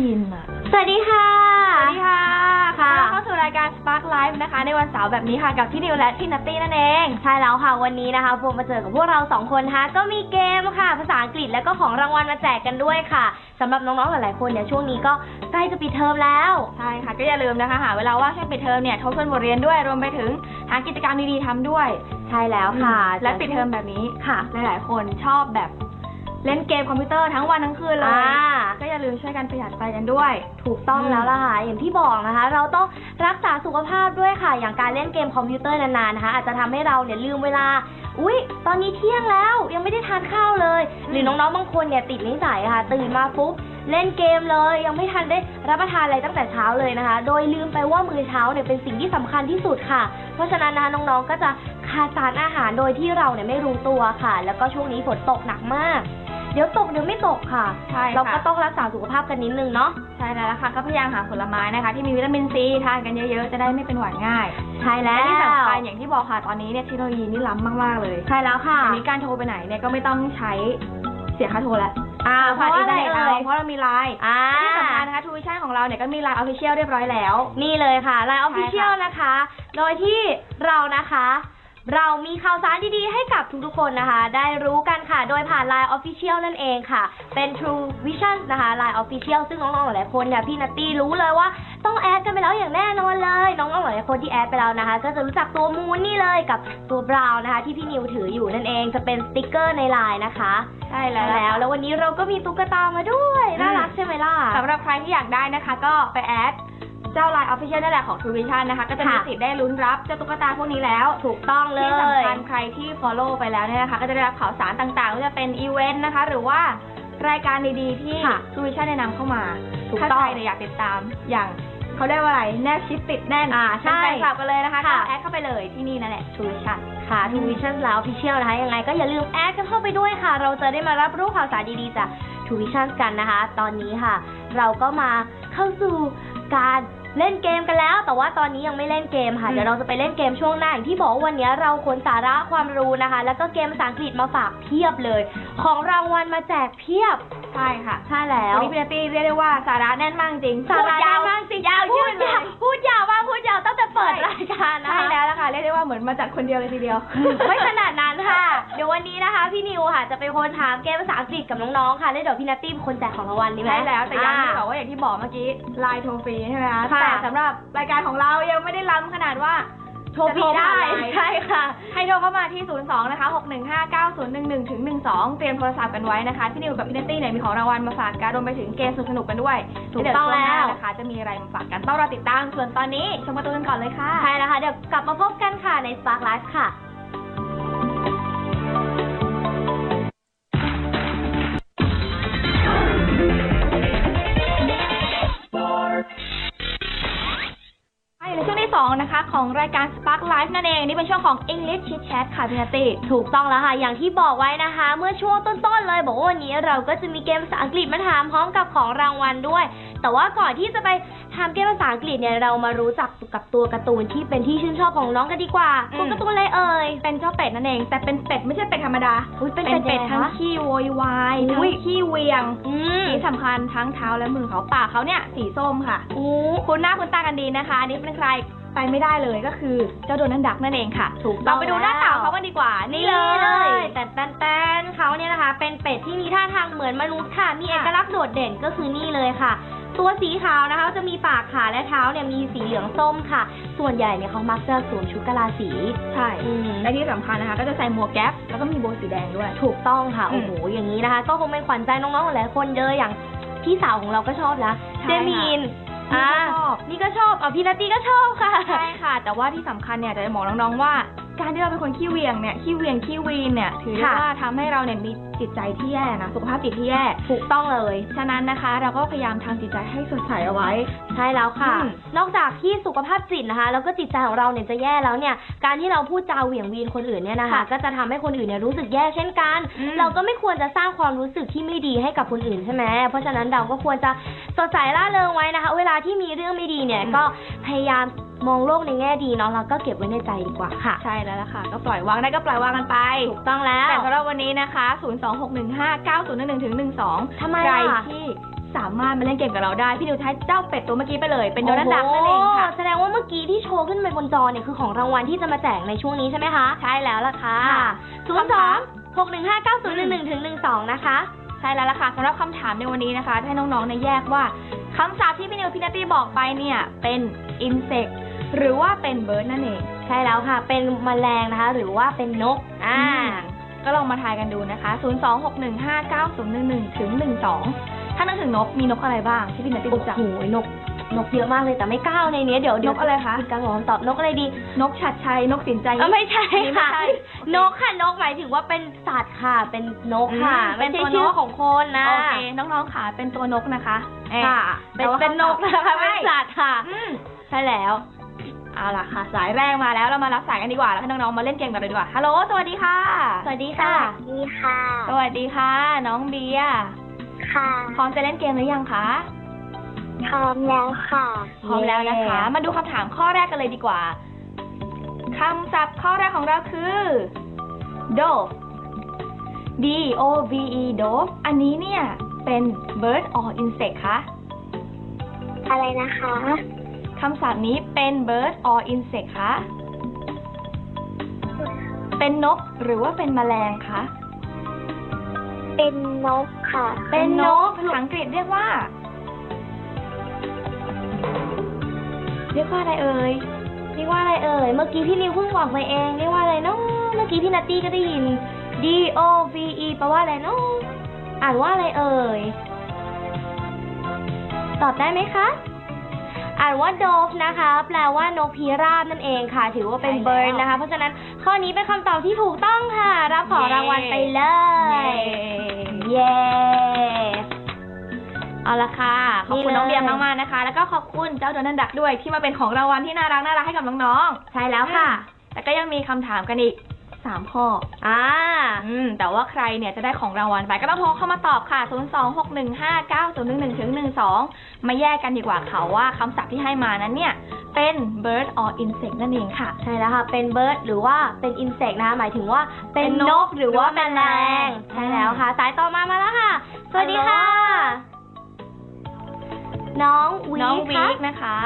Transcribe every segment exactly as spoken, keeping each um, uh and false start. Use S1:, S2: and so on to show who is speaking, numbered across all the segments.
S1: ยินอ่ะ
S2: สวัสดีค่ะ
S1: สวัสดีค่ะค่ะเข้าสู่รายการ Spark Live นะคะในวันเสาร์แบบนี้ค่ะกับพี่นิวและพี่นัตตี้นั่นเอง
S2: ใช่แล้วค่ะวันนี้นะคะผมมาเจอกับพวกเราสองคนนะคะก็มีเกมค่ะภาษาอังกฤษแล้วก็ของรางวัลมาแจกกันด้วยค่ะสำหรับน้องๆหลายๆคนเนี่ยช่วงนี้ก็ใกล้จะปิดเทอมแล้ว
S1: ใช่ค่ะก็อย่าลืมนะคะหาเวลาว่างช่วงปิดเทอมเนี่ยทบทวนบทเรียนด้วยรวมไปถึงหากิจกรรมดีๆทำด้วย
S2: ใช่แล้วค่ะ
S1: และปิดเทอมแบบนี้
S2: ค่ะ
S1: หลายๆคนชอบแบบเล่นเกมคอมพิวเตอร์ทั้งวันทั้งคืนเลยก็อย่าลืมช่วยกันประหยัดไฟกันด้วย
S2: ถูกต้องแล้วล่ะค่ะอย่างที่บอกนะคะเราต้องรักษาสุขภาพด้วยค่ะอย่างการเล่นเกมคอมพิวเตอร์นานๆนะคะอาจจะทำให้เราเนี่ยลืมเวลาอุ๊ยตอนนี้เที่ยงแล้วยังไม่ได้ทานข้าวเลยหรือน้องๆบางคนเนี่ยติดนิสัยค่ะตื่นมาปุ๊บเล่นเกมเลยยังไม่ทันได้รับประทานอะไรตั้งแต่เช้าเลยนะคะโดยลืมไปว่ามื้อเช้าเนี่ยเป็นสิ่งที่สำคัญที่สุดค่ะเพราะฉะนั้นนะคะน้องๆก็จะขาดสารอาหารโดยที่เราเนี่ยไม่รู้ตัวค่ะแล้วก็ช่วงนี้ฝนตกหนักมากเดี๋ยวตกเดี๋ยวไม่ตกค่ะ
S1: ใช่
S2: เราก็ต้องรักษาสุขภาพกันนิดนึงเนาะ
S1: ใช่แล้วค่ะก็พยายามหาผลไม้นะคะที่มีวิตามินซีทานกันเยอะๆจะได้ไม่เป็นหวัดง่าย
S2: ใช่แล้ว
S1: ที่สำคัญอย่างที่บอกค่ะตอนนี้เนี่ยเทคโนโลยีนี่ล้ำมากๆเลย
S2: ใช่แล้วค่ะ
S1: มีการโทรไปไหนเนี่ยก็ไม่ต้องใช้เสียค่าโทรแล้ว
S2: อ่าเพราะอะไรเอ่ย
S1: เพราะเรามีไลน์ที่สำคัญนะคะทูวิชั่นของเราเนี่ยก็มีไลน์ Official เรียบร้อยแล้ว
S2: นี่เลยค่ะไลน์ Official นะคะโดยที่เรานะคะเรามีข่าวสารดีๆให้กับทุกๆคนนะคะได้รู้กันค่ะโดยผ่าน ไลน์ Official นั่นเองค่ะเป็น True Vision นะคะ ไลน์ Official ซึ่งน้องๆหลายคนเนี่ยพี่นัตตี้รู้เลยว่าต้องแอดกันไปแล้วอย่างแน่นอนเลยน้องๆหลายคนที่แอดไปแล้วนะคะก็จะรู้จักตัวมูนนี่เลยกับตัวบราวน์นะคะที่พี่นิวถืออยู่นั่นเองจะเป็นสติ๊กเกอร์ในไลน์นะคะ
S1: ใช่แล้ว
S2: แล้ววันนี้เราก็มีตุ๊กตามาด้วยน่ารักใช่ไหมล่ะ
S1: สำหรับใครที่อยากได้นะคะก็ไปแอดเจ้า ไลน์ Official นั่นแหละของ True Vision นะคะก็จะมีสิทธิ์ได้ลุ้นรับเจ้าตุ๊กตาพวกนี้แล้ว
S2: ถูกต้องเลย
S1: ที่สำคัญใครที่ follow ไปแล้วเนี่ยนะคะก็จะได้รับข่าวสารต่างๆไม่ว่าจะเป็นอีเวนต์นะคะหรือว่ารายการดีๆที่ True Vision แนะนำเข้ามาถ้าใครอยากติดตามอย่างเขาเรียกว่าอะไรแนบชิดติดแน่น
S2: อ่าใช่
S1: กลับกันเลยนะคะก็แอดเข้าไปเลยที่นี่นั่นแหละ True Vision
S2: ค่ะ True Vision แล้ว Official นะคะยังไงก็อย่าลืมแอดกันเข้าไปด้วยค่ะเราจะได้มารับรู้ข่าวสารดีๆจาก True Vision กันนะคะตอนนี้ค่ะเราก็มาเข้าสู่การเล่นเกมกันแล้วแต่ว่าตอนนี้ยังไม่เล่นเกมค่ะเดี๋ยวเราจะไปเล่นเกมช่วงหน้าอย่างที่บอกว่าวันนี้เราขนสาระความรู้นะคะแล้วก็เกมภาษาอังกฤษมาฝากเพียบเลยของรางวัลมาแจกเพียบ
S1: ใช่ค่ะ
S2: ใช่แล้ว
S1: วันนี้พี่นัตตี้เรียกได้ว่าสาระแน่นมากจริง
S2: สาระแน่นมากจริง
S1: ยาว
S2: พูดยาวพูดยาวมากพูดยาวตั้งแต่เปิดรายการนะคะ
S1: ใช่แล้วล่ะค่ะเรียกได้ว่าเหมือนมาจัดคนเดียวเลยทีเดียว
S2: ไม่ขนาดนั้นค่ะเดี๋ยววันนี้นะคะพี่นิวค่ะจะเป็นคนถามเกมภาษาอังกฤษกับน้องๆค่ะแล้วเดี๋ยวพี่นัตตี้เป็นคนแจกของรางวัลดีไหม
S1: ใช่แล้วแต่ยังที่บอกว่าอย่างที่บอกเมื่อกี้ไลน์โทรฟรีใช่ไหมคะแต่สำหรับรายการของเรายังไม่ได้ล้ำขนาดว่า
S2: โทรฟรีได้
S1: ใช่ค่ะให้โทรเข้ามาที่ศูนย์สองนะคะหกหนึ่งห้าเก้าศูนย์หนึ่งหนึ่งถึงหนึ่งสองเตรียมโทรศัพท์กันไว้นะคะพี่นิวกับพี่นัตตี้เนี่ยมีของรางวัลมาฝากกันรวมไปถึงเกมสนุกๆกันด้วย
S2: ถูกต้องแล้ว
S1: นะคะจะมีอะไรมาฝากกันต้องรอติดตามส่วนตอนนี้ชมการ์ตูนกันก่อนเลยค่ะ
S2: ใช่แล้วค่ะเดี๋ยวกลับมาพบกันค่ะใน Spark Live ค่ะ
S1: ในช่วงที่สองนะคะของรายการ Spark Live นั่นเองนี่เป็นช่วงของ English Chit Chat ค่ะพี่นัตตี้
S2: ถูกต้องแล้วค่ะอย่างที่บอกไว้นะคะเมื่อช่วงต้นๆเลยบอกว่าวันนี้เราก็จะมีเกมภาษาอังกฤษมาถามพร้อมกับของรางวัลด้วยแต่ว่าก่อนที่จะไปทำเกมภาษาอังกฤษเนี่ยเรามารู้จักกับตัวการ์ตูนที่เป็นที่ชื่นชอบของน้องกันดีกว่าตัวการ์ตูนอะไรเอ่ย
S1: เป็นเจ้าเป็ดนั่นเองแต่เป็นเป็ดไม่ใช่เป็ดธรรมดา
S2: เป็น
S1: เป็ดทั้งขี้โวยวายทั้งขี้เวียงที่สำคัญทั้งเท้าและมือเขาปากเขาเนี่ยสีส้มค่ะคุณหน้าคุณตากันดีนะคะอันนี้เป็นใครไปไม่ได้เลยก็คือเจ้าโดนัลด์ดักนั่นเองค่ะ
S2: ถูกต้อง
S1: เราไปดูหน้าตาเขากันดีกว่า
S2: นี่เลยแต่แต่เขาเนี่ยนะคะเป็นเป็ดที่มีท่าทางเหมือนมนุษย์ค่ะมีเอกลักษณ์โดดเด่นก็คือนี่เลยค่ะตัวสีขาวนะคะจะมีปากขาและเท้าเนี่ยมีสีเหลืองส้มค่ะส่วนใหญ่เนี่ยเขามักจะสวมชุดกะลาสี
S1: ใช่และที่สำคัญนะคะก็จะใส่หมวกแก๊ปแล้วก็มีโบว์สีแดงด้วย
S2: ถูกต้องค่ะโอ้โหอย่างนี้นะคะก็คงเป็นขวัญใจน้องๆหลายคนเยอะอย่างพี่สาวของเราก็ชอบนะเจมิน
S1: อ่า
S2: นี่ก็ชอบอ่ะพี่นัตตี้ก็ชอบค่ะ
S1: ใช่ค่ะแต่ว่าที่สำคัญเนี่ยจะบอกน้องๆว่าการที่เราเป็นคนขี้เวียงเนี่ยขี้เวียงขี้วีนเนี่ยถือว่าทำให้เราเนี่ยมีจิตใจที่แย่นะสุขภาพจิตที่แย่
S2: ถูกต้องเลย
S1: ฉะนั้นนะคะเราก็พยายามทำจิตใจให้สดใสเอาไว้
S2: ใช่แล้วค่ะนอกจากที่สุขภาพจิตนะคะแล้วก็จิตใจของเราเนี่ยจะแย่แล้วเนี่ยการที่เราพูดจาเหวี่ยงวีนคนอื่นเนี่ยนะคะก็จะทำให้คนอื่นเนี่ยรู้สึกแย่เช่นกันเราก็ไม่ควรจะสร้างความรู้สึกที่ไม่ดีให้กับคนอื่นใช่ไหมเพราะฉะนั้นเราก็ควรจะสดใสร่าเริงไว้นะคะเวลาที่มีเรื่องไม่ดีเนี่ยก็พยายามมองโลกในแง่ดีเนาะแล้วก็เก็บไว้ในใจดีกว่าค่ะ
S1: ใช่แล้วล่ะค่ะก็ปล่อยวางได้ก็ปล่อยวางกันไป
S2: ถูกต้องแล้ว
S1: แต่สำหรับวันนี้นะคะศูนย์ สอง หก หนึ่ง ห้า เก้า ศูนย์ หนึ่ง หนึ่ง ถึง หนึ่ง สอง
S2: ทำไม
S1: ใครที่สามารถมาเล่นเกมกับเราได้พี่นิวใช้เจ้าเป็ดตัวเมื่อกี้ไปเลยเป็นโดนัลด์ดักนั่นเองค่ะ
S2: แสดงว่าเมื่อกี้ที่โชว์ขึ้นไปบนจอเนี่ยคือของรางวัลที่จะมาแจกในช่วงนี้ใช่ไหมคะ
S1: ใช่แล้วล่ะค่ะ
S2: ศูนย์ สอง หก หนึ่ง ห้า เก้า ศูนย์ หนึ่ง หนึ่ง ถึง หนึ่ง สองนะคะ
S1: ใช่แล้วล่ะค่ะสำหรับคำถามในวันนี้นะคะให้น้องๆในแยกว่าคำศัพท์ที่พี่นิวพี่นัตตี้บอกไปเนี่ยเป็น insect หรือว่าเป็น bird นั่นเอง
S2: ใช่แล้วค่ะเป็นแมลงนะคะหรือว่าเป็นนกอ่า
S1: ก็ลองมาทายกันดูนะคะศูนย์ สอง หก หนึ่ง ห้า เก้า ศูนย์ หนึ่ง หนึ่ง ถึง หนึ่ง สองถ้านึกถึงนกมีนกอะไรบ้างที่พี่นัตตี้รู้จัก
S2: โอ้โหนกนกเยอะมากเลยแต่ไม่ก้าวในนี้เดี๋ยวน
S1: กอะไรคะ
S2: การบอกคำตอบนกอะไรดี
S1: นกฉัตรชัยนกสินใจ
S2: ไม่ใช่ค่ะนกค่ะนกหมายถึงว่าเป็นสัตว์ค่ะเป็นนกค่ะไม่ใช่ชื่อของคนนะ
S1: โอเคน้องๆค่ะเป็นตัวนกนะคะ
S2: ค่ะเป็นเป็นนกนะคะเป็นสัตว์ค่ะ
S1: ใช่แล้วเอาล่ะค่ะสายแรกมาแล้วเรามารับสายกันดีกว่าแล้วให้น้องๆมาเล่นเกมกันเลยดีกว่าฮัลโหลสวัสดีค่ะ
S2: สวัสดีค่ะ
S3: สวัสดีค่ะ
S1: สวัสดีค่ะน้องเบียร์
S3: ค่ะ
S1: พร้อมจะเล่นเกมหรือยังคะ
S3: พร้อมแล้วค่ะ
S1: พร้อมแล้วนะคะมาดูคำถามข้อแรกกันเลยดีกว่าคำศัพท์ข้อแรกของเราคือ dove d o v e dove อันนี้เนี่ยเป็น bird or insect คะ
S3: อะไรนะคะ
S1: คำศัพท์นี้เป็น bird or insect คะเป็นนกหรือว่าเป็นแมลงคะ
S3: เป็นนกค่ะ
S1: เป็นนกภาษาอังกฤษเรียกว่าเรียกว่าอะไรเอ่ย
S2: เรียกว่าอะไรเอ่ยเมื่อกี้พี่นิวเพิ่งบอกไปเองเรียกว่าอะไรเนาะเมื่อกี้พี่นัตตี้ก็ได้ยิน d o v e แปลว่าอะไรเนาะอ่านว่าอะไรเอ่ยตอบได้ไหมคะอ่านว่า dove นะคะแปลว่านกพิราบนั่นเองค่ะถือว่าเป็น bird นะคะเพราะฉะนั้นข้อนี้เป็นคำตอบที่ถูกต้องค่ะรับของรางวัลไปเลยเย้
S1: เอาละค่ะขอบคุณน้องเบียร์มากๆนะคะแล้วก็ขอบคุณเจ้าโดนัลด์ดักด้วยที่มาเป็นของรางวัลที่น่ารักน่ารักให้กับน้อง
S2: ๆใช่แล้วค่ะ
S1: แต่ก็ยังมีคำถามกันอีกสามข้อ
S2: อ่า
S1: อืมแต่ว่าใครเนี่ยจะได้ของรางวัลไปก็ต้องโทรเข้ามาตอบค่ะศูนย์ สอง หก หนึ่ง ห้า เก้า ศูนย์ หนึ่ง หนึ่ง ถึง หนึ่ง สองมาแยกกันดีกว่าค่ะว่าคำศัพท์ที่ให้มานั้นเนี่ยเป็น bird or insect นั่นเองค่ะ
S2: ใช่แล้วค่ะเป็น bird หรือว่าเป็น insect นะคะหมายถึงว่าเป็นนกหรือว่าแมลงใช่แล้วค่ะสายต่อมามาแล้วค่ะสวัสดีค่ะน้องวี
S1: น้องวีคนะคะ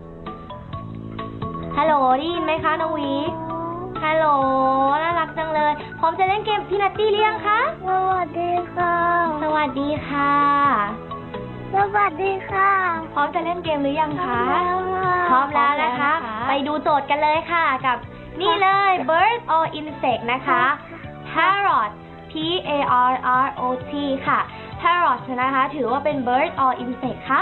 S2: ฮัลโหลได้ยินไหมคะน้องวีฮัลโหลน่ารักจังเลยพร้อมจะเล่นเกมพี่นัตตี้หรือยังคะ
S3: สวัสดีค่ะ
S2: สวัสดีค่ะ
S3: สวัสดีค่ะ
S1: พร้อมจะเล่นเกมหรือยังคะ
S2: พร้อมแล้วนะคะไปดูโจทย์กันเลยค่ะกับนี่เลย bird or insect นะคะ parrot p a r r o t ค่ะ parrot นะคะถือว่าเป็น bird or insect คะ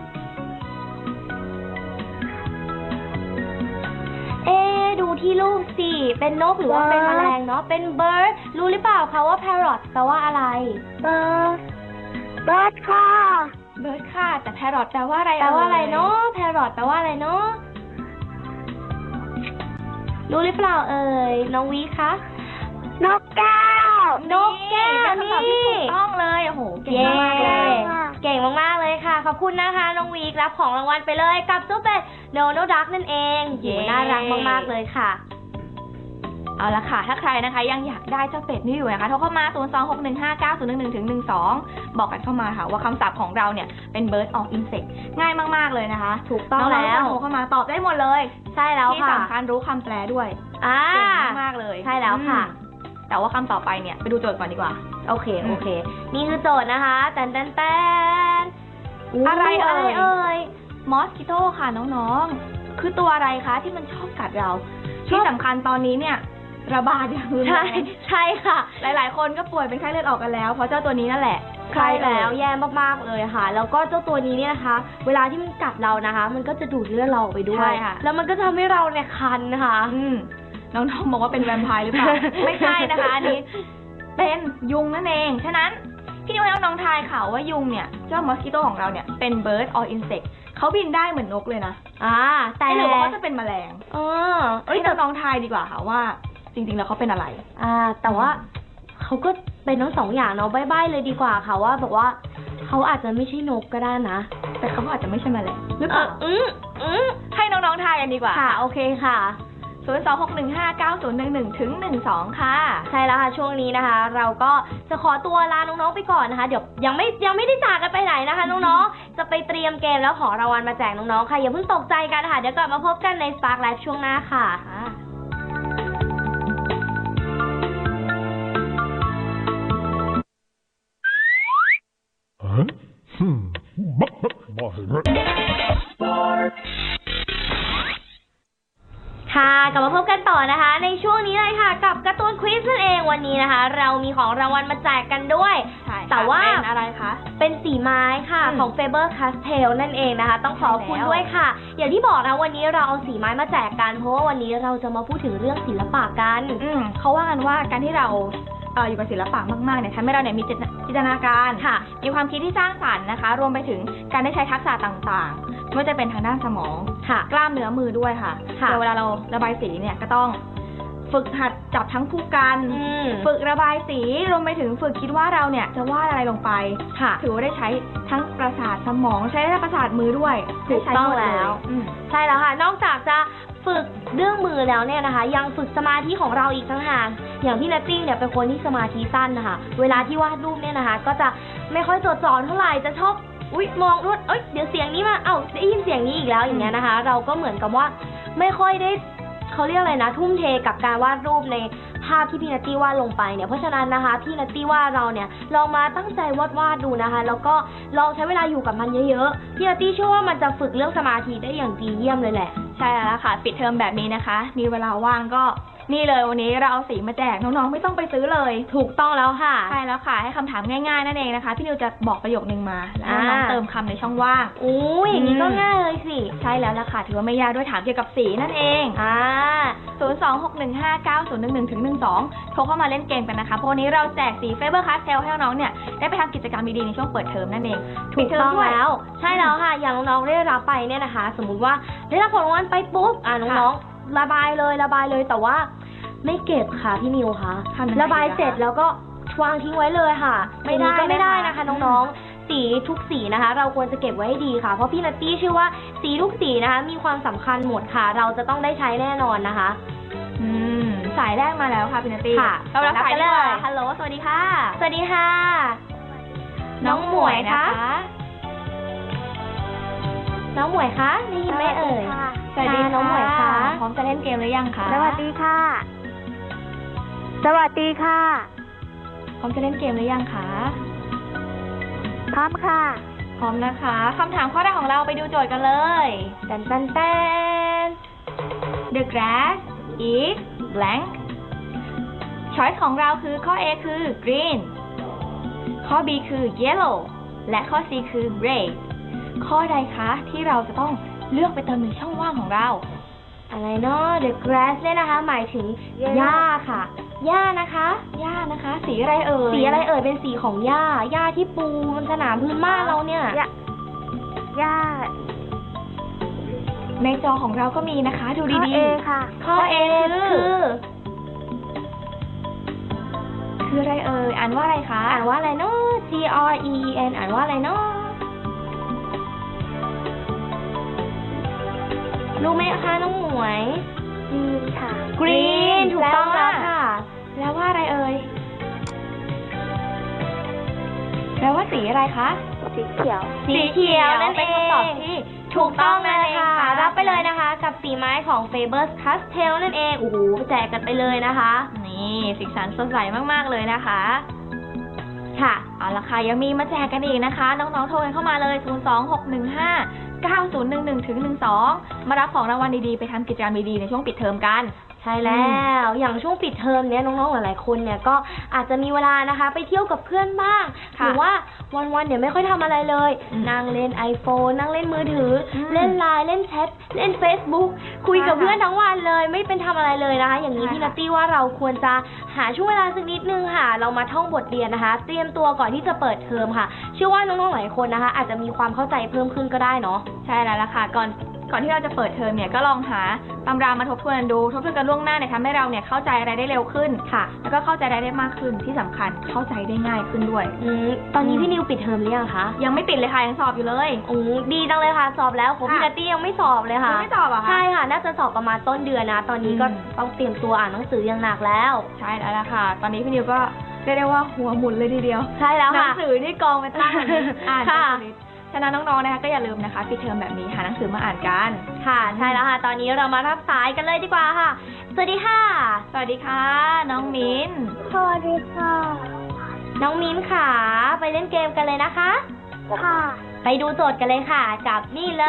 S2: เอ๊ดูที่รูปสิเป็นนกหรือว่าเป็นแมลงเนาะเป็น bird รู้หรือเปล่าคะว่า parrot แปลว่าอะไร
S3: bird bird ค่ะ
S1: bird ค่ะแต่ parrot แปลว่าอะไร
S2: แปลว่าอะไรเนาะ parrot แปลว่าอะไรเนาะรู้หรือเปล่าเอ่ยน้องวีคะ
S3: นกแก้
S2: วนกแก้วนี่
S1: ถูกต้องเลยโอ้โหเก่งมากเลย
S2: เก่งมากๆเลยค่ะขอบคุณนะคะน้องวีรับของรางวัลไปเลยกับเจ้าเป็ดโดนัลด์ดักนั่นเองโหน่ารักมากๆเลยค่ะ
S1: เอาละค่ะถ้าใครนะคะยังอยากได้เจ้าเป็ดนี่อยู่นะคะโทรเข้ามาศูนย์ สอง หก หนึ่ง ห้า เก้า ศูนย์ หนึ่ง หนึ่ง ถึง หนึ่ง สองบอกกันเข้ามาค่ะว่าคำศัพท์ของเราเนี่ยเป็น bird or insect ง่ายมากๆเลยนะคะ
S2: ถูกต้องแล้ว
S1: โทรเข้ามาตอบได้หมดเลย
S2: ใช่แล้วค่ะ
S1: ที่สำคัญรู้คำแปลด้วย
S2: อ่า
S1: เก่งมากเลย
S2: ใช่แล้วค่ะ
S1: แต่ว่าคำต่อไปเนี่ยไปดูโจทย์ก่อนดีกว่า
S2: โอเคโอเคนี่คือโจทย์นะคะแตนแตนแตน
S1: อะไรเอ่ยเอ่ยมอสคิโต้ค่ะน้องๆคือตัวอะไรคะที่มันชอบกัดเราที่สำคัญตอนนี้เนี่ยระบาดอย่างรุนแรง
S2: ใช่ใช่ค่ะ
S1: หลายๆคนก็ป่วยเป็นไข้เลือดออกกันแล้วเพราะเจ้าตัวนี้นั่นแหละ
S2: ใช่แล้วแย่มากๆเลยค่ะแล้วก็เจ้าตัวนี้เนี่ยนะคะเวลาที่มันกัดเรานะคะมันก็จะดูดเลือดเราไปด้วยแล้วมันก็ทำให้เราเนี่ยคันนะคะ
S1: น้องๆบอกว่าเป็นแวมไพร์หรือเปล่า ไม่ใช่นะคะอันนี้เป็นยุงนั่นเองฉะนั้นพี่นิวให้น้องๆทายค่ะว่ายุงเนี่ยเจ้ามอสคิโต้ของเราเนี่ยเป็น bird or insect เขาบินได้เหมือนนกเลยนะ
S2: อ่าแต่
S1: หรือว่าเขาจะเป็นแมลง
S2: เออ
S1: เอ้ยน้องๆทายดีกว่าค่ะว่าจริงๆแล้วเขาเป็นอะไร
S2: อ่าแต่ว่าเขาก็เป็นทั้งสองอย่างเนาะใบ้ๆเลยดีกว่าค่ะว่าบอกว่าเขาอาจจะไม่ใช่นกก็ได้นะ
S1: แต่เขาอาจจะไม่ใช่แมลงหรือเปล่า
S2: อืมอืม
S1: ให้น้องๆทายกันดีกว่า
S2: ค่ะโอเคค่ะ
S1: ศูนย์ สอง หก หนึ่ง ห้า เก้า ศูนย์ หนึ่ง หนึ่ง ถึง หนึ่ง สอง ค่ะ
S2: ใช่แล้วค่ะช่วงนี้นะคะเราก็จะขอตัวลาน้องๆไปก่อนนะคะเดี๋ยวยังไม่ยังไม่ได้จากกันไปไหนนะคะน้องๆจะไปเตรียมเกมแล้วของรางวัลมาแจกน้องๆค่ะอย่าเพิ่งตกใจกันค่ะเดี๋ยวกลับมาพบกันใน Spark Live ช่วงหน้าค่ะค่ะกลับมาพบกันต่อนะคะในช่วงนี้เลยค่ะกับการ์ตูนควิซนั่นเองวันนี้นะคะเรามีของรางวัลมาแจกกันด้วยแต่ว่า
S1: เป็นอะไรคะ
S2: เป็นสีไม้ค่ะของ Faber Castell นั่นเองนะคะต้องขอบคุณด้วยค่ะอย่างที่บอกนะวันนี้เราเอาสีไม้มาแจกกันเพราะว่าวันนี้เราจะมาพูดถึงเรื่องศิลปะกัน
S1: อืมเขาว่ากันว่าการที่เราเอออยู่กับศิลปะมากๆเนี่ยทำให้เราเนี่ยมีจินตนาการมีความคิดที่สร้างสรรค์นะคะรวมไปถึงการได้ใช้ทักษะต่างๆไม่ว่าจะเป็นทางด้านสมองกล้ามเนื้อมือด้วยค่ะเวลาเราระบายสีเนี่ยก็ต้องฝึกหัดจับทั้งคู่กันฝึกระบายสีรวมไปถึงฝึกคิดว่าเราเนี่ยจะวาดอะไรลงไปถือว่าได้ใช้ทั้งประสาทสมองใช้ได้ประสาทมือด้วย
S2: ถูกต้องแล้วใช่แล้วค่ะนอกจากจะฝึกเรื่องมือแล้วเนี่ยนะคะยังฝึกสมาธิของเราอีกต่างหากอย่างพี่นัตตี้เนี่ยเป็นคนที่สมาธิสั้นนะคะเวลาที่วาดรูปเนี่ยนะคะก็จะไม่ค่อยจดจ่อเท่าไหร่จะชอบอุ๊ยมองรถเอ้ยเดี๋ยวเสียงนี้มาเอ้าได้ยินเสียงนี้อีกแล้วอย่างเงี้ยนะคะเราก็เหมือนกับว่าไม่ค่อยได้เขาเรียกอะไรนะทุ่มเทกับการวาดรูปในภาพที่พี่นัตตี้วาดลงไปเนี่ยเพราะฉะนั้นนะคะพี่นัตตี้ว่าเราเนี่ยลองมาตั้งใจวาดวาดดูนะคะแล้วก็ลองใช้เวลาอยู่กับมันเยอะๆพี่นัตตี้เชื่อว่ามันจะฝึกเรื่องสมาธิได้อย่างดีเยี่ยมเลยแหละ
S1: ใช่แล้วค่ะปิดเทอมแบบนี้นะคะมีเวลาว่างก็นี่เลยวันนี้เราเอาสีมาแจกน้องๆไม่ต้องไปซื้อเลย
S2: ถูกต้องแล้วค่ะ
S1: ใช่แล้วค่ะให้คำถามง่ายๆนั่นเองนะคะพี่นิวจะบอกประโยคนึงมาแล้วน้องเติมคำในช่องว่าง
S2: โอ้ยอย่างนี้ก็ง่ายเลยสิ
S1: ใช่แล้วล่ะค่ะถือว่าไม่ยากด้วยถามเกี่ยวกับสีนั่นเอง
S2: อ่า
S1: ศูนย์ สอง หก หนึ่ง ห้า เก้า ศูนย์ หนึ่ง หนึ่ง ถึง หนึ่ง สองโทรเข้ามาเล่นเกมกันนะคะเพราะวันนี้เราแจกสี Faber Castell ให้น้องๆเนี่ยได้ไปทำกิจกรรมดีๆในช่วงเปิดเทอมนั่นเอง
S2: ถูกต้องแล้วใช่แล้วค่ะอย่างน้องๆได้รับไปเนี่ยนะคะสมมุติว่าได้รับของรางวัลไปปุ๊บอ่าน้องๆระบายเลยระบายเลยแต่ว่าไม่เก็บค่ะพี่นิวค่ะระบายเสร็จแล้วก็วางทิ้งไว้เลยค่ะไม่ได้ก็ไม่ได้นะคะน้องๆสีทุกสีนะคะเราควรจะเก็บไว้ให้ดีค่ะเพราะพี่นัตตี้เชื่อว่าสีทุกสีนะคะมีความสำคัญหมดค่ะเราจะต้องได้ใช้แน่นอนนะคะ
S1: อืมสายแรกมาแล้วค่ะพี่นัตตี้
S2: ค่ะ
S1: เรารับสายเลยฮัลโหลสวัสดีค่ะ
S2: สวัสดีค่ะน้องหมวยคะน้องหมวยคะได้ยินไหมเอ่ย
S1: สวัสดีน้องหมวยคะพร้อมจะเล่นเกมหรือยังคะ
S3: สวัสดีค่ะสวัสดีค่ะ
S1: พร้อมจะเล่นเกมหรือยังคะ
S3: พร้อมค่ะ
S1: พร้อมนะคะคำถามข้อแรกของเราไปดูโจทย์กันเลย
S2: แตนแตนแตน
S1: The grass is blank choice ของเราคือข้อ A คือ green ข้อ B คือ yellow และข้อ C คือ red ข้อใดคะที่เราจะต้องเลือกไปเติมในช่องว่างของเรา
S2: อะไรเนาะ The grass เนี่ยนะคะหมายถึงหญ้าค่ะหญ้านะคะ
S1: หญ้านะคะสีอะไรเอ่ย
S2: สีอะไรเอ่ยเป็นสีของหญ้าหญ้าที่ปูบนสนามพื้นบ้านเราเนี่ย
S3: หญ้า
S1: ในจอของเราก็มีนะคะดูดีๆ
S3: ข้อ A ค่ะ
S2: ข้อ A คือ
S1: คืออะไรเอ่ยอ่านว่าอะไรคะ
S2: อ่านว่าอะไรเนาะ G R E E N อ่านว่าอะไรเนาะรู้ไหมคะน้องหมวย
S3: กรีนค่ะ
S2: กรีนถูกต้องแล้วค่ะ
S1: แล้วว่าอะไรเอ่ยแล้วว่าสีอะไรคะ
S3: สีเขียว
S2: สีเขียวนั่นเป็นคำตอบที่ถูกต้องนั่นเองค่ะรับไปเลยนะคะกับสีไม้ของ Faber Castell นั่นเองโอ้โหแจกกันไปเลยนะคะ
S1: นี่สีสันสดใสมากๆเลยนะคะ
S2: ค่ะ
S1: เอาล่ะค่ะยังมีมาแจกกันอีกนะคะน้องๆโทรกันเข้ามาเลยศูนย์ สอง หก หนึ่ง ห้า เก้า ศูนย์ หนึ่ง หนึ่ง ถึง หนึ่ง สองมารับของรางวัลดีๆไปทำกิจกรรมดีๆในช่วงปิดเทอมกัน
S2: ใช่แล้วอย่างช่วงปิดเทอมเนี้ยน้องๆหลายๆคนเนี่ยก็อาจจะมีเวลานะคะไปเที่ยวกับเพื่อนบ้างหรือว่าวันๆเนี่ยไม่ค่อยทำอะไรเลยนั่งเล่น iPhone นั่งเล่นมือถือเล่นไลน์เล่นแชทเล่น Facebook คุยกับเพื่อนทั้งวันเลยไม่เป็นทำอะไรเลยนะคะอย่างนี้พี่นัตตี้ว่าเราควรจะหาช่วงเวลาสักนิดนึงค่ะเรามาท่องบทเรียนนะคะเตรียมตัวก่อนที่จะเปิดเทอมค่ะเชื่อว่าน้องๆหลายคนนะคะอาจจะมีความเข้าใจเพิ่มขึ้นก็ได้เนาะ
S1: ใช่แล้วล่ะค่ะก่อนก่อนที่เราจะเปิดเทอมเนี่ยก็ลองหาตำรามาทบทวนดูทบทวนกันล่วงหน้าเนี่ยทำให้เราเนี่ยเข้าใจอะไรได้เร็วขึ้นค่ะแล้วก็เข้าใจอะไรได้มากขึ้นที่สำคัญเข้าใจได้ง่ายขึ้นด้วย
S2: อืมตอนนี้พี่นิวปิดเทอมหรือยังคะ
S1: ยังไม่ปิดเลยค่ะยังสอบอยู่เลย
S2: โอ้ดีจังเลยค่ะสอบแล้วของพี่นัตตี้ยังไม่สอบเลยค่ะ
S1: ยังไม่สอบอ่ะคะ
S2: ใช่ค่ะน่าจะสอบประมาณต้นเดือนนะตอนนี้ก็ต้องเตรียมตัวอ่านหนังสืออย่างหนักแล้ว
S1: ใช่แล้วล่ะค่ะตอนนี้พี่นิวก็เรียกได้ว่าหัวหมุนเลยทีเดียว
S2: ใช่แล้วค่ะ
S1: หนังสือที่กองไปตั้งอ่านค่ะฉะนั้นน้องๆนะคะก็อย่าลืมนะคะปิดเทอมแบบนี้หาหนังสือมาอ่านกัน
S2: ค่ะใช่แล้วค่ะตอนนี้เรามารับสายกันเลยดีกว่าค่ะสวัสดีค่ะ
S1: สวัสดีค่ะน้องมิ้น
S3: สวัสดีค่ะ
S2: น้องมิ้นค่ะไปเล่นเกมกันเลยนะคะ
S3: ค่ะ
S2: ไปดูโจทย์กันเลยค่ะกับนี่เลย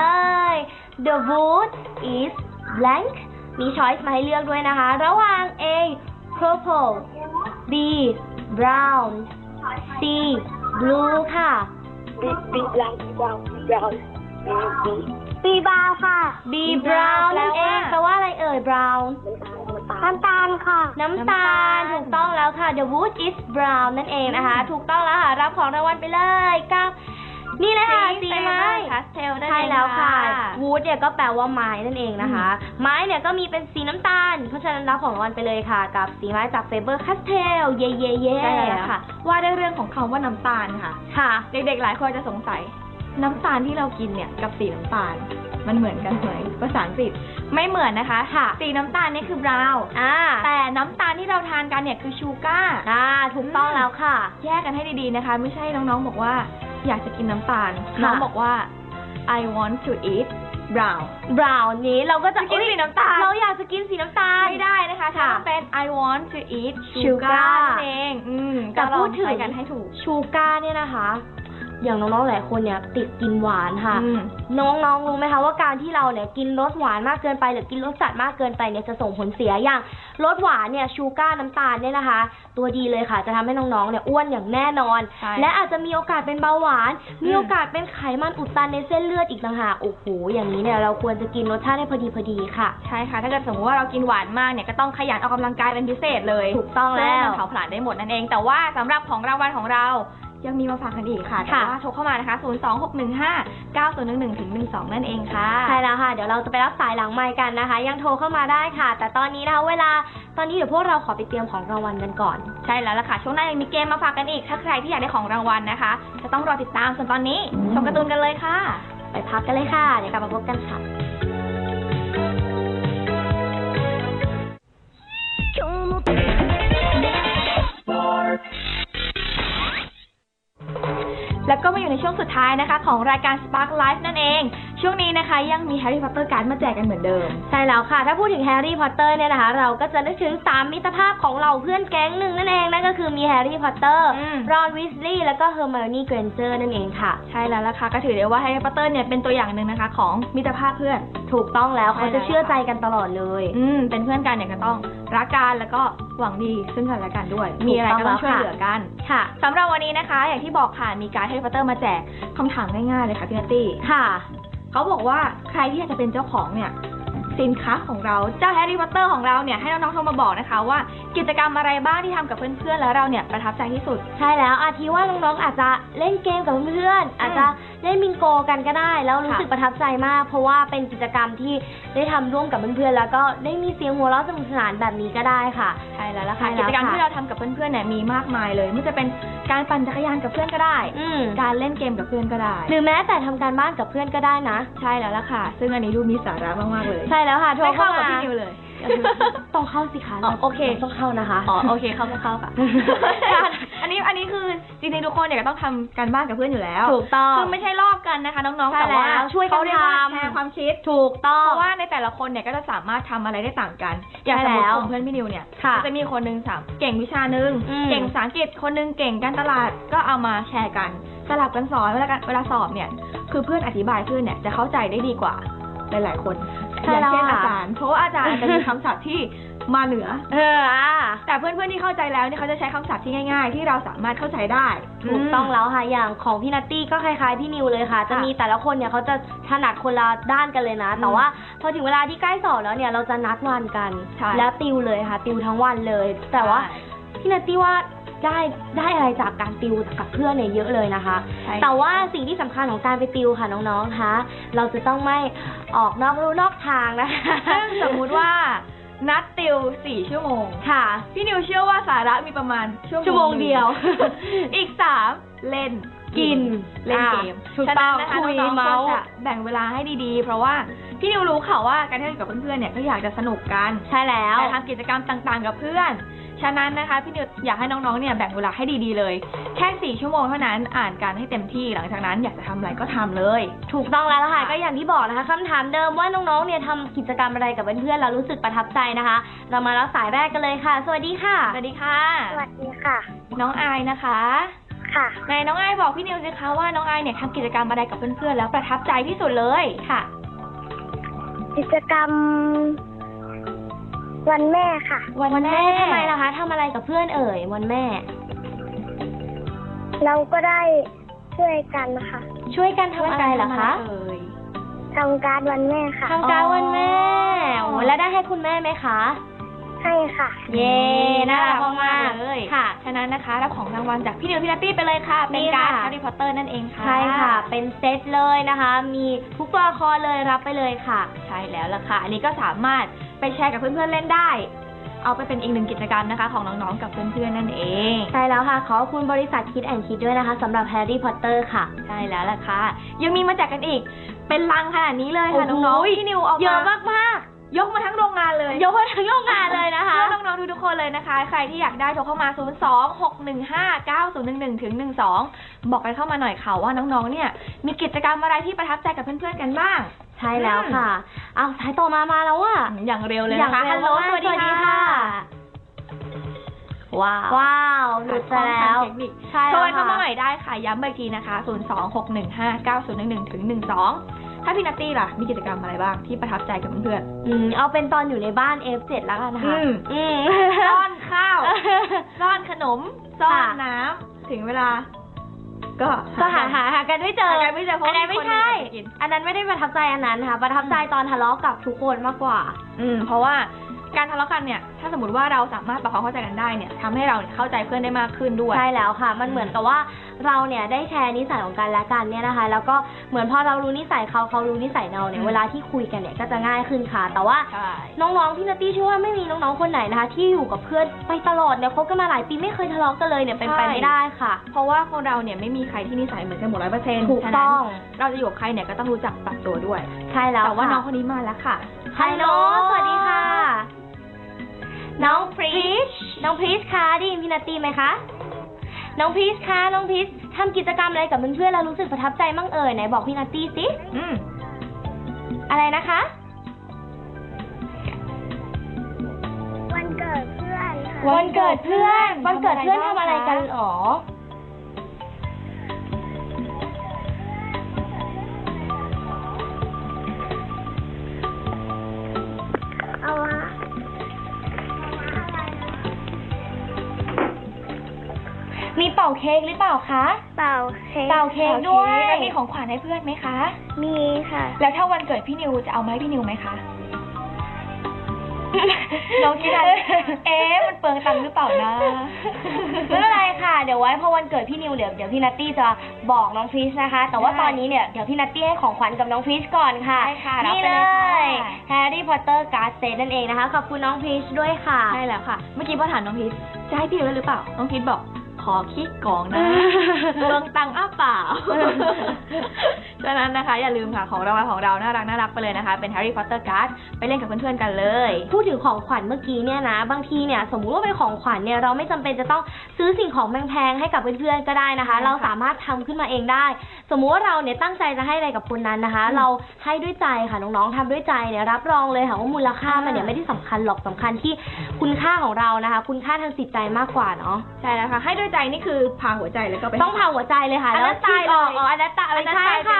S2: The wood is blank มีช้อยส์มาให้เลือกด้วยนะคะระหว่าง A purple B brown C blue ค่ะ
S3: B B brown brown brown B B brown ค่ะ
S2: B brown นั่นเองแปลว่าอะไรเอ่ย brown
S3: น้ำตาลค่ะ
S2: น้ำตาลถูกต้องแล้วค่ะ The wood is brown นั่นเองนะคะถูกต้องแล้วค่ะรับของรางวัลไปเลยกับนี่เลยค่ะสีไม้
S1: พาสเทล
S2: ใช่แล้วค่ะ wood เนี่ยก็แปลว่าไม้นั่นเองนะคะไม้เนี่ยก็มีเป็นสีน้ำตาลเพราะฉะนั้นรับของรางวัลไปเลยค่ะกับสีไม้จาก Faber Castell เย่เย่เย่
S1: ใช่แล้วค่ะว่าได้เรื่องของคำว่าน้ำตาลค่ะ
S2: ค่ะ
S1: เด็กๆหลายคนจะสงสัยน้ำตาลที่เรากินเนี่ยกับสีน้ำตาลมันเหมือนกันไหมภาษาอังกฤษไม่เหมือนนะคะค่ะสีน้ำตาลนี่คือบราวน์
S2: อ่า
S1: แต่น้ำตาลที่เราทานกันเนี่ยคือชูการ์
S2: อ่าถูกต้องแล้วค่ะ
S1: แยกกันให้ดีๆนะคะไม่ใช่น้องๆบอกว่าอยากจะกินน้ำตาลน้องบอกว่า I want to eat brown
S2: brown นี้เราก็จะ
S1: กินสีน้ำตาล
S2: เราอยากจะกินสีน้ำตาล
S1: ไม่ได้นะคะถ้าเป็น I want to eat sugar เองอืม
S2: แต่พูดถึง
S1: กันให้ถูก
S2: sugar เนี่ยนะคะอย่างน้องๆหลายคนเนี่ยติดกินหวานค่ะน้องๆรู้ไหมคะว่าการที่เราเนี่ยกินรสหวานมากเกินไปหรือกินรสจัดมากเกินไปเนี่ยจะส่งผลเสียอย่างรสหวานเนี่ยชูการ์น้ำตาลเนี่ยนะคะตัวดีเลยค่ะจะทำให้น้องๆเนี่ยอ้วนอย่างแน่นอนและอาจจะมีโอกาสเป็นเบาหวานมีโอกาสเป็นไขมันอุดตันในเส้นเลือดอีกต่างหากโอ้โหอย่างนี้เนี่ยเราควรจะกินรสชาติให้พอดีพอดีค่ะ
S1: ใช่ค่ะถ้าเกิดสมมติว่าเรากินหวานมากเนี่ยก็ต้องขยันออกกำลังกายเป็นพิเศษเลย
S2: ถูกต้องแล้ว
S1: เผาผลาญได้หมดนั่นเองแต่ว่าสำหรับของรางวัลของเรายังมีมาฝากกันอีกค่ะแต่ว่าโทรเข้ามานะคะศูนย์ สอง หก หนึ่ง ห้า เก้า ศูนย์ หนึ่ง หนึ่ง ถึง หนึ่ง สอง นั่นเองค่ะ
S2: ใช่แล้วค่ะเดี๋ยวเราจะไปรับสายหลังไมค์กันนะคะยังโทรเข้ามาได้ค่ะแต่ตอนนี้นะคะเวลาตอนนี้เดี๋ยวพวกเราขอไปเตรียมของรางวัลกันก่อน
S1: ใช่แล้วล่ะค่ะช่วงหน้ายังมีเกมมาฝากกันอีกถ้าใครที่อยากได้ของรางวัลนะคะจะต้องรอติดตามส่วนตอนนี้ชมการ์ตูนกันเลยค่ะ
S2: ไปพักกันเลยค่ะเดี๋ยวกลับมาพบกันค่ะ
S1: แล้วก็มาอยู่ในช่วงสุดท้ายนะคะของรายการ Spark Life นั่นเองช่วงนี้นะคะยังมี Harry Potter การ์ดมาแจกกันเหมือนเดิม
S2: ใช่แล้วค่ะถ้าพูดถึง Harry Potter เนี่ยนะคะเราก็จะนึกถึงสามมิตรภาพของเราเพื่อนแก๊งหนึ่งนั่นเองนั่นก็คือมี Harry Potter Ron Weasley แล้วก็ Hermione Granger นั่นเองค่ะ
S1: ใช่แล้วล่ะค่ะก็ถือได้ว่า Harry Potter เนี่ยเป็นตัวอย่างหนึ่งนะคะของมิตรภาพเพื่อน
S2: ถูกต้องแล้วเขาจะเชื่อใจกันตลอดเลย
S1: อืมเป็นเพื่อนกันเนี่ยก็ต้องรักกันแล้วก็หวังดีซึ่งกันและกันด้วยมีอะไรก็ต้องช่วยเหลือกัน
S2: ค่ะ
S1: สำหรับวันนี้นะคะอย่างที่บอกค่ะมีการ์ด Harry Potter มาแจกคำถามง่ายๆเลยค่ะพี่นัตตี้
S2: ค่ะ
S1: เขาบอกว่าใครที่อยากจะเป็นเจ้าของเนี่ยสินค้าของเราเจ้าแฮร์รี่พอตเตอร์ของเราเนี่ยให้น้องๆโทรมาบอกนะคะว่ากิจกรรมอะไรบ้างที่ทำกับเพื่อนๆแล้วเราเนี่ยประทับใจที่สุด
S2: ใช่แล้วอาทิว่าน้องๆอาจจะเล่นเกมกับเพื่อนๆอาจจะเล่นบิงโกกันก็ได้แล้วรู้สึกประทับใจมากเพราะว่าเป็นกิจกรรมที่ได้ทำร่วมกับเพื่อนๆแล้วก็ได้มีเสียงหัวเราะสนุกสนานแบบนี้ก็ได้ค่ะ
S1: ใช่แล้วล่ะค่ะกิจกรรมที่เราทำกับเพื่อนๆเนี่ยมีมากมายเลยไม่ว่าจะเป็นการปั่นจักรยานกับเพื่อนก็ได้การเล่นเกมกับเพื่อนก็ได้
S2: หรือแม้แต่ทำการบ้านกับเพื่อนก็ได้นะ
S1: ใช่แล้วล่ะค่ะซึ่งอันนี้ดูมีสาระมากๆเลย
S2: ใช่แล้วค่ะโทรเข้า
S1: กับพี่นิวเลย
S2: ต้องเข้าสิคะ
S1: โอเค
S2: ต้องเข้านะคะ
S1: อ๋อโอเคเข้าก็เข้าค่ะอันนี้อันนี้คือจริงๆทุกคนเนี่ยก็ต้องทำการบ้านกับเพื่อนอยู่แล้ว
S2: ถูกต้อง
S1: คือไม่ใช่ลอกกันนะคะน้องๆแต่ว่า
S2: ช่วยกันท
S1: ำแชร์ความคิด
S2: ถูกต้อง
S1: เพราะว่าในแต่ละคนเนี่ยก็จะสามารถทำอะไรได้ต่างกันอย่างสมมติกลุ่มเพื่อนพี่นิวเนี่ยจะมีคนนึงสามเก่งวิชานึงเก่งภาษาอังกฤษคนนึงเก่งการตลาดก็เอามาแชร์กันสลับกันสอนเวลาเวลาสอบเนี่ยคือเพื่อนอธิบายเพื่อนเนี่ยจะเข้าใจได้ดีกว่าหลายๆคนอย่างเช่นอาจารย์เพราะว่าอาจารย์จะมีคำศัพท์ที่มาเหนือ
S2: เออ
S1: แต่เพื่อนๆที่เข้าใจแล้วเนี่ยเขาจะใช้คำศัพท์ที่ง่ายๆที่เราสามารถเข้าใจได้
S2: ถูกต้องแล้วค่ะอย่างของพี่นัตตี้ก็คล้ายๆพี่นิวเลยค่ะจะมีแต่ละคนเนี่ยเขาจะถนัดคนละด้านกันเลยนะแต่ว่าพอถึงเวลาที่ใกล้สอบแล้วเนี่ยเราจะนัดวันกันแล้วติวเลยค่ะติวทั้งวันเลยแต่ว่าพี่นัตตี้ว่าได้ได้อะไรจากการติวกับเพื่อนเนี่ยเยอะเลยนะคะ แต่ว่าสิ่งที่สำคัญของการไปติวค่ะน้องๆคะเราจะต้องไม่ออกนอกลู่นอกทางนะคะ
S1: ซึ่งสมมุติว่านัดติวสี่ชั่วโมง
S2: ค่ะ
S1: พี่นิวเชื่อว่าสาระมีประมาณชั่วโมง
S2: เดียว
S1: อีกสามเล่น
S2: กิน
S1: เล่นเกม
S2: ฉะนั้นนะคะ
S1: น้องๆควรจะแบ่งเวลาให้ดีๆเพราะว่าพี่นิวรู้ค่ะว่าการเที่ยวกับเพื่อนๆเนี่ยก็อยากจะสนุกกัน
S2: ใช่แล้ว
S1: แต่ทำกิจกรรมต่างๆกับเพื่อนฉะนั้นนะคะพี่นิวอยากให้น้องๆเนี่ยแบ่งเวลาให้ดีๆเลยแค่สี่ชั่วโมงเท่านั้นอ่านกันให้เต็มที่หลังจากนั้นอยากจะทำอะไรก็ทำเลย
S2: ถูกต้องแล้วล่ะค่ะก็อย่างที่บอกนะคะคำถามเดิมว่าน้องๆเนี่ยทำกิจกรรมอะไรกับเพื่อนๆแล้วรู้สึกประทับใจนะคะเรามารับสายแรกกันเลยค่ะสวัสดีค่ะ
S1: สวัสดีค่ะ
S3: สวัสดีค่ะ
S1: น้องอายนะคะ
S3: ค่ะ
S1: ในน้องอายบอกพี่นิวสิคะว่าน้องอายเนี่ยทำกิจกรรมอะไรกับเพื่อนๆแล้วประทับใจที่สุดเลยค่ะ
S3: กิจกรรมวันแม่ค่ะ
S2: วันแม่ทำไมล่ะคะทำอะไรกับเพื่อนเอ่ยวันแม่
S3: เราก็ได้ช่วยกันนะคะ
S2: ช่วยกันทำอะไรเหรอคะ
S3: ทำการวันแม่ค่ะ
S2: ทำการวันแม่โอ้แล้วได้ให้คุณแม่ไหมคะ
S3: ให้ค่ะ
S2: เย้น่ารักมาก
S1: เลยค่ะฉะนั้นนะคะรับของรางวัลจากพี่นิวพี่นัตตี้ไปเลยค่ะเป็นการ์ดแฮร์รี่พอตเตอร์นั่นเองค่ะ
S2: ใช่ค่ะเป็นเซตเลยนะคะมีทุกตัวละครเลยรับไปเลยค่ะ
S1: ใช่แล้วล่ะค่ะอันนี้ก็สามารถไปแชร์กับเพื่อนๆเล่นได้เอาไปเป็นอีกหนึ่งกิจกรรมนะคะของน้องๆกับเพื่อนๆนั่นเอง
S2: ใช่แล้วค่ะขอบคุณบริษัทคิดแอนด์คิดด้วยนะคะสำหรับแฮร์รี่พอตเตอร์ค่ะ
S1: ใช่แล้วล่ะค่ะยังมีมาแจกกันอีกเป็นลังขนาดนี้เลยค่ะน้องๆพี่นิวเอา
S2: เยอะมาก
S1: ยกมาทั้งโรงงานเลย
S2: ยกมาทั้งโรงงานเลยนะคะ
S1: น้องๆทุกๆคนเลยนะคะใครที่อยากได้โทรเข้ามาศูนย์ สอง หก หนึ่ง ห้า เก้า ศูนย์ หนึ่ง หนึ่ง ถึง หนึ่ง สองบอกกันเข้ามาหน่อยค่ะว่าน้องๆเนี่ยมีกิจกรรมอะไรที่ประทับใจกับเพื่อนๆกันบ้าง
S2: ใช่แล้วค่ะเอาสายต่อมามาแล้วอ่ะ
S1: อย่างเร็วเลยนะคะ
S2: ฮัลโหลสวัสดีค่ะ
S1: ว้าว
S2: ว้าวหลุดไปแล้ว
S1: ใช่โทรเข้ามาใหม่ได้ค่ะย้ำอีกทีนะคะศูนย์ สอง หก หนึ่ง ห้า เก้า ศูนย์ หนึ่ง หนึ่ง ถึง หนึ่ง สองถ้าพี่นัตตี้ล่ะมีกิจกรรมอะไรบ้างที่ประทับใจกับเพื่อน
S2: ๆอืมเอาเป็นตอนอยู่ในบ้าน เอฟ เจ็ด แล้วกันนะคะ
S1: อืมซ่อนข้าวซ่อนขนมซ่อนน้ำถึงเวลาก็
S2: ก็หาหาหากันไม่เจอ
S1: หากันไม่เจอเพราะอันนั้น
S2: ไม่ใช่อันนั้นไม่ได้ประทับใจอันนั้นค่ะประทับใจตอนทะเลาะกับทุกคนมากกว่า
S1: อืมเพราะว่าการทะเลาะกันเนี่ยถ้าสมมติว่าเราสามารถปรับความเข้าใจกันได้เนี่ยทำให้เราเข้าใจเพื่อนได้มากขึ้นด้วย
S2: ใช่แล้วค่ะมันเหมือนกับว่าเราเนี่ยได้แชร์นิสัยของกันและกันเนี่ยนะคะแล้วก็เหมือนพอเรารู้นิสัยเขาเขารู้นิสัยเราเนี่ยเวลาที่คุยกันเนี่ยก็จะง่ายขึ้นค่ะแต่ว่าน้องๆพี่นัตตี้เชื่อว่าไม่มีน้องๆคนไหนนะคะที่อยู่กับเพื่อนไปตลอดเนี่ยคบกันมาหลายปีไม่เคยทะเลาะกันเลยเนี่ยเป็นไปไม่ได้ค่ะ
S1: เพราะว่าคนเราเนี่ยไม่มีใครที่นิสัยเหมือนกันหมดร้อยเปอร์เซ็นต์
S2: ถูกต้อง
S1: เราจะอยู่กับใครเนี่ยก็ต้องรู้จักปรับตัวด้วย
S2: ใช่แล้ว
S1: แต่ว่าน้องคนนี้มาแล้วค่ะ
S2: ฮัลโหลสวัสดีค่ะน้องพรีชน้องพรีชคะได้ยินพี่นัตตี้ไหมคะน้องพรีชคะน้องพรีชทำกิจกรรมอะไรกับเพื่อนๆแล้วรู้สึกประทับใจมั่งเอ่ยไหนบอกพี่นัตตี้สิ
S1: อืม
S2: อะไรนะคะ
S3: วันเกิดเพื่อนค่ะ
S2: วันเกิดเพื่อนวันเกิดเพื่อนทำอะไรกันหรอ
S3: เอาวะ
S2: มีเป่าเค้กหรือเปล่าคะ
S3: เป่าเค้ก
S2: เป่าเค้กด้วย
S1: แล้วมีของขวัญให้เพื่อนไหมคะ
S3: มีค่ะ
S1: แล้วถ้าวันเกิดพี่นิวจะเอามาให้พี่นิวไหมคะน้องคิดอะไรเอ๊ะมันเปลืองตังค์หรือเปล่านะ
S2: ไม่เป็นไรค่ะเดี๋ยวไว้พอวันเกิดพี่นิวเดี๋ยวเดี๋ยวพี่นัตตี้จะบอกน้องฟิชนะคะแต่ว่าตอนนี้เนี่ยเดี๋ยวพี่นัตตี้ให้ของขวัญกับน้องฟิชก่อนค่ะนี่เลยแฮร์รี่พอตเตอร์การ์ดเซตนั่นเองนะคะขอบคุณน้องฟิชด้วยค่ะ
S1: ใช่แล้วค่ะเมื่อกี้พอถามน้องฟิชจะให้พี่นิวหรือเปล่าน้องฟิชบอกขอคิดกองนะเปลืองตังค์อ้าเปล่าฉะนั้นนะคะอย่าลืมค่ะของรางวัลของเราน่ารักน่ารักไปเลยนะคะเป็น Harry Potter Card ไปเล่นกับเพื่อนๆกันเลย
S2: พูดถึงของขวัญเมื่อกี้เนี่ยนะบางทีเนี่ยสมมุติว่าเป็นของขวัญเนี่ยเราไม่จำเป็นจะต้องซื้อสิ่งของแพงๆให้กับเพื่อนๆก็ได้นะคะเราสามารถทำขึ้นมาเองได้สมมุติว่าเราเนี่ยตั้งใจจะให้อะไรกับคนนั้นนะคะเราให้ด้วยใจค่ะน้องๆทำด้วยใจเนี่ยรับรองเลยค่ะว่ามูลค่ามันเนี่ยไม่ได้สำคัญหรอกสำคัญที่คุณค่าของเรานะคะคุณค่าทางจิตใจมากกว่าเนาะ
S1: ใช่แล้วค่ะให้ด้วยใจนี่คือพาหัวใจแล้วก็ไป
S2: ต้องพาหัวใจเลยค่ะแล้วตายออกอ๋ออันนั้นตายไม่ใช่ค่ะ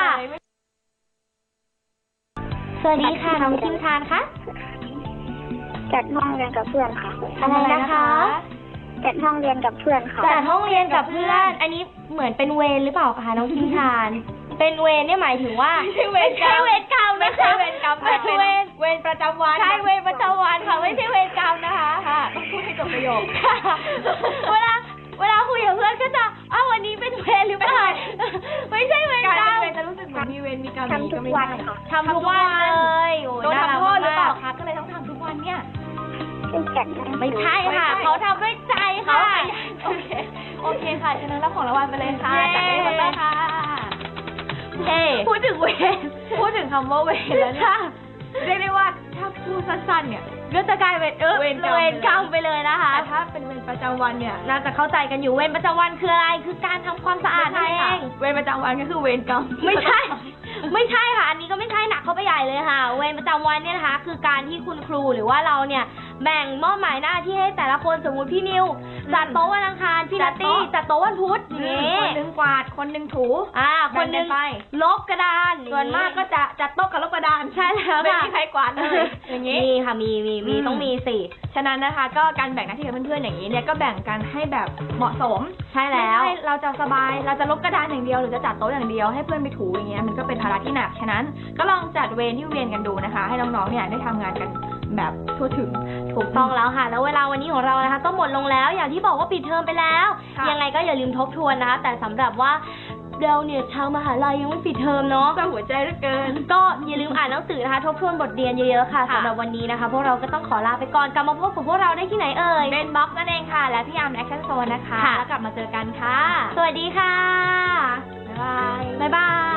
S2: สวัสดีค่ะน้องคิมทานคะ
S3: จัดห้องเรียนกับเพื่อนค่ะ
S2: อะไรนะคะ
S3: จัดห้องเรียนกับเพื่อนค่ะ
S2: จัดห้องเรียนกับเพื่อนอันนี้เหมือนเป็นเวรหรือเปล่าคะน้องคิมทานเป็นเวรเนี่ยหมายถึงว่า
S1: ไม่ใช่เวรกรรม
S2: ไม่ใช่เวรกรรมนะคะ
S1: ไม่ใช่เวรกรรม
S2: เป็นเวร
S1: เวรประจำวัน
S2: ใช่เวรประจำวันค่ะไม่ใช่เวรกรรมนะคะ
S1: ค่ะต้องพูดให้จบประโยค
S2: เวลาเวลามันก็จะอ้าววันนี้เป็นเวรหรือเปล่าไม่ใช่เวร
S1: การ
S2: กรรม
S1: เป็นเวรจะรู้สึกเหมือนมีเวรมีกรรม
S3: ทำทุกวันค่ะ
S2: ทำทุกวันเลยโอ้ย
S1: โดน
S2: น่ารัก
S1: ทำโทษหรือเปล่าม
S2: ก
S1: คะก็เลยต้องทำทุกวันเนี่ย
S3: เป็นแขก
S2: ไม่ใช่ค่ะ
S1: ไม่ใช่
S2: เขาทำด้วยใจ
S1: เขา
S2: ค่ะ
S1: ขยันโอเคโอเคค่ะฉะนั้นรับของรางวัลไปเลยค่ะ
S2: เย้
S1: จากเอเวอร์ตันค่ะ
S2: เฮ้พูดถึงเวร
S1: พูดถึงคำว่าเวรแล้วเนี่ย
S2: ค่ะ
S1: เรียกได้ว่าถ้าพูดสั้นๆเนี่ย
S2: ก็จะกลายเป็นเออ
S1: เวรกรรม
S2: เวรกรรมไปเลยนะคะ
S1: แต่ถ้าเป็นเวรประจำวันเนี่ย
S2: น่าจะเข้าใจกันอยู่เวรประจำวันคืออะไรคือการทำความสะอาด
S1: ไม่
S2: นั่น
S1: ใช่
S2: เอ
S1: ค่ะ
S2: ง
S1: เวรประจำวันก็คือเวรกรรม
S2: ไม่ใช่ ไม่ใช่ค่ะ อันนี้ก็ไม่ใช่หนักเข้าไปใหญ่เลยค่ะ เวรประจำวันเนี่ยนะคะ คือการที่คุณครูหรือว่าเราเนี่ยแบ่งมอบหมายหน้าที่ให้แต่ละคนสมมุติพี่นิวจัดโต๊ะวันอังคารพี่นัตตี้จัดโต๊ะวันพุธอย่างนี้
S1: คนหนึงกวาดคนหนึงถู
S2: อ่าคนหนึง
S1: แบ่งกันไป
S2: ลบกระดาน
S1: ส่วนมากก็จะจัดโต๊ะกับลบกระดาน
S2: ใช่แล้ว
S1: ไม่
S2: ค่ะ
S1: มีใครกวาดเลยอย่างนี้
S2: มีค่ะมีมีมี
S1: อืม
S2: ต้องมีสิ
S1: ฉะนั้นนะคะก็การแบ่งหน้าที่กับเพื่อนๆอย่างนี้เนี่ยก็แบ่งกันให้แบบเหมาะสม
S2: ใช่แล้ว
S1: ไม่ใช่เราจะสบายเราจะลบกระดานอย่างเดียวหรือจะจัดโต๊ะอย่างเดียวให้เพื่อนไปถูอย่างเงี้ยมันก็เป็นภาระที่หนักฉะนั้นก็ลองจัดเวรที่เวียนกันดูนะคะ ให้น้องๆเนี่ยได้ทำงานกันแบบทั่วถึง
S2: ถูกต้องแล้วค่ะ แล้วเวลาวันนี้ของเรานะคะก็หมดลงแล้วอย่างที่บอกว่าปิดเทอมไปแล้ว
S1: ค่ะ
S2: ยังไงก็อย่าลืมทบทวนนะคะ แต่สำหรับว่าเราเนี่ยชาวมหาลัยยังไม่ปิดเทอมเนาะ
S1: เศร้าหัวใจเหลือเกิน
S2: ก็อย่าลืมอ่านหนังสือนะคะ ทบทวนบทเรียนเยอะๆค่ะ
S1: ค่ะ
S2: สำหรับวันนี้นะคะ พวกเราก็ต้องขอลาไปก่อนกลับมาพบกับพวกเราได้ที่ไหนเอ่ย
S1: เบนบ็อกซ์นั่นเองค่ะ และพี่อาร์มแอคชั่นโซนนะคะ
S2: ค่ะ
S1: แล้วกลับมาเจอกันค่ะ
S2: สวัสดีค่ะ
S1: บ๊ายบาย
S2: บ๊ายบาย